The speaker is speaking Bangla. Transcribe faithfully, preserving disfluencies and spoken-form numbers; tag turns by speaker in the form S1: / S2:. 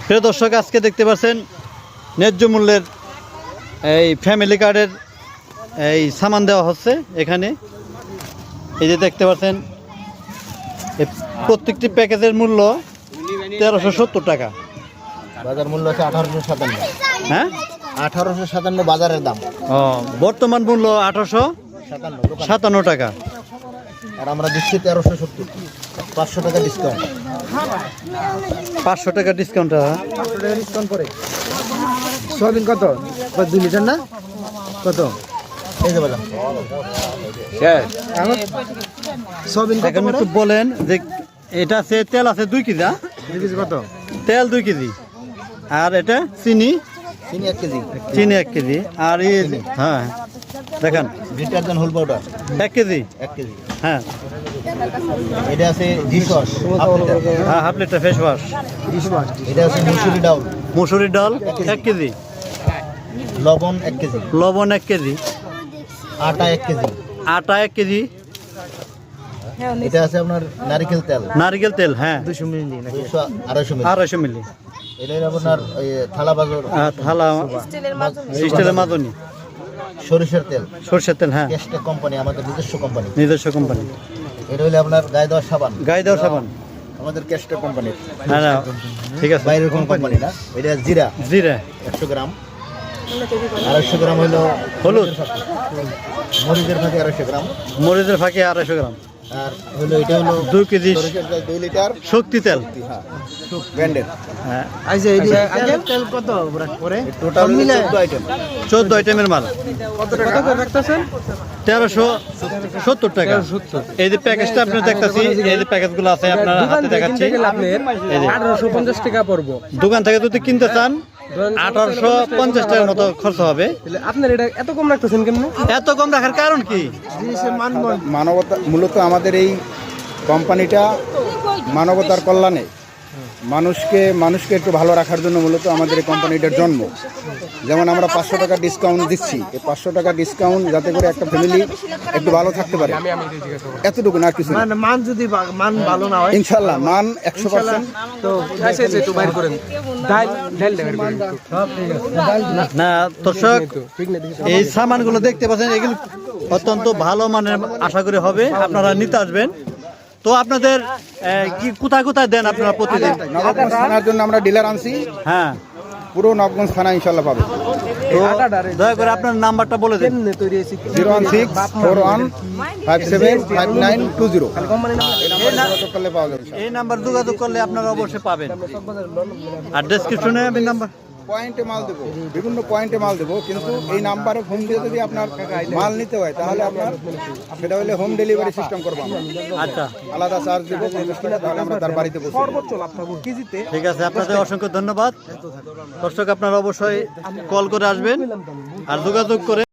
S1: প্রিয় দর্শক, আজকে দেখতে পাচ্ছেন ন্যায্য মূল্যের এই ফ্যামিলি কার্ডের এই সামান দেওয়া হচ্ছে এখানে। এই যে দেখতে পাচ্ছেন প্রত্যেকটি প্যাকেজের মূল্য তেরোশো সত্তর টাকা।
S2: বাজার মূল্য হচ্ছে আঠারোশো সাতান্ন।
S1: হ্যাঁ,
S2: আঠারোশো সাতান্ন বাজারের দাম।
S1: ও, বর্তমান মূল্য আঠারোশো
S2: সাতান্ন
S1: সাতান্ন টাকা।
S2: আর আমরা দিচ্ছি তেরোশো সত্তর, পাঁচশো টাকা ডিসকাউন্ট।
S1: পাঁচশো টাকা ডিসকাউন্ট।
S2: পাঁচশো টাকা ডিসকাউন্ট করে সয়াবিন কত? দুই লিটার না কত? এই যে বাজার সয়াবিন কত
S1: একটু বলেন যে এটা আছে তেল আছে দুই কেজি।
S2: দুই কেজি কত?
S1: তেল দুই কেজি, আর এটা চিনি
S2: চিনি এক কেজি।
S1: চিনি এক কেজি, আর এই হ্যাঁ দেখেন
S2: ডিটারজেন্ট হোল পাউডার
S1: এক কেজি।
S2: এক কেজি।
S1: হ্যাঁ,
S2: এটা আছে জি সস
S1: হ্যাঁ হাফ লিটার ফেস ওয়াশ।
S2: এটা আছে মুসুরি ডাউল
S1: মুসুরির ডাল এক কেজি।
S2: লবণ এক কেজি।
S1: লবণ এক কেজি।
S2: আটা এক কেজি।
S1: আটা এক কেজি।
S2: এটা আছে আপনার নারকেল তেল
S1: নারকেল তেল হ্যাঁ
S2: দুশো মিলি আড়াইশো মিলি।
S1: আড়াইশো মিলি।
S2: এটা আপনার থালা বাজার
S1: থালা স্টিলের মাদনি।
S2: সরিষার তেল
S1: সরষের তেল হ্যাঁ
S2: কেস্টা কোম্পানি, আমাদের নিজস্ব কোম্পানি।
S1: নিজস্ব কোম্পানি।
S2: এটা হলো আপনার গায়ে দেওয়ার সাবান।
S1: গায়ে দেওয়ার সাবান
S2: আমাদের কেস্টা কোম্পানির।
S1: হ্যাঁ না ঠিক আছে,
S2: বাইরের কোন কোম্পানি না। এটা জিরা
S1: জিরা
S2: একশো গ্রাম। আড়াইশো গ্রাম হলো
S1: হলুদ।
S2: মরিচের ফাঁকে আড়াইশো গ্রাম।
S1: মরিচের ফাঁকে আড়াইশো গ্রাম।
S2: আর হলো এটা হলো
S1: দুই কেজি
S2: সরিষার তেল দুই লিটার
S1: শক্তি তেল।
S2: হ্যাঁ ব্র্যান্ডের।
S1: হ্যাঁ,
S2: তেল কত করে? টোটাল চোদ্দ আইটেম।
S1: চোদ্দ আইটেমের মাল।
S2: কত টাকা রাখতেছেন?
S1: তেরোশো সত্তর টাকা। এই যে প্যাকেজটা আপনি দেখতেছি, এই যে প্যাকেজগুলো আছে আপনার হাতে দেখাচ্ছি,
S3: আঠারোশো পঞ্চাশ টাকা পড়বো।
S1: দোকান থেকে যদি কিনতে চান আঠারোশো পঞ্চাশ টাকার মতো খরচ হবে।
S3: আপনার এটা এত কম রাখতেছেন কেন?
S1: এত কম রাখার কারণ কি?
S4: মানবতা মূলত আমাদের এই কোম্পানিটা মানবতার কল্যাণে মানুষকে মানুষকে একটু ভালো রাখার জন্য মূলত আমাদের এই কোম্পানিটার জন্ম। যেমন আমরা পাঁচশো টাকা ডিসকাউন্ট দিচ্ছি, এই পাঁচশো টাকা ডিসকাউন্ট যাতে করে একটা ফ্যামিলি একটু ভালো থাকতে পারে, এতটুকু না কিছু।
S2: মান যদি মান ভালো না হয়
S4: ইনশাল্লাহ মান একশো পার্সেন্ট।
S3: তো একটু বাইর করেন ডাল ডাল দেবেন।
S1: না দর্শক, এই সামানগুলো দেখতে পাচ্ছেন, এগুলো অত্যন্ত ভালো মানের আশা করি হবে। আপনারা নিতে আসবেন। তো আপনাদের কি কোথায় কোথায় দেন আপনারা প্রতিদিন?
S4: নবাবগঞ্জ থানার জন্য আমরা ডিলার আনছি।
S1: হ্যাঁ,
S4: পুরো নবাবগঞ্জ থানা ইনশাল্লাহ পাবে।
S1: তো দয়া করে আপনার নাম্বারটা বলে দিন।
S4: Zero one six four one five seven five nine two zero.
S1: এই নাম্বার যোগাযোগ করলে আপনারা অবশ্যই পাবেন। আর ডেসক্রিপশনে আমি নাম্বার
S4: পয়েন্টে মাল দেবো, বিভিন্ন পয়েন্টে মাল দেবো, কিন্তু এই নাম্বারে ফোন দিয়ে যদি আপনার মাল নিতে হয় তাহলে আপনার সেটা হলে হোম ডেলিভারি সিস্টেম করবো আমরা।
S1: আচ্ছা,
S4: আলাদা চার্জ দেবো পঞ্চাশ টাকা, তাহলে আমরা তার বাড়িতে বসে।
S1: ঠিক আছে, আপনাদের অসংখ্য ধন্যবাদ। দর্শক, আপনারা অবশ্যই কল করে আসবেন আর যোগাযোগ করে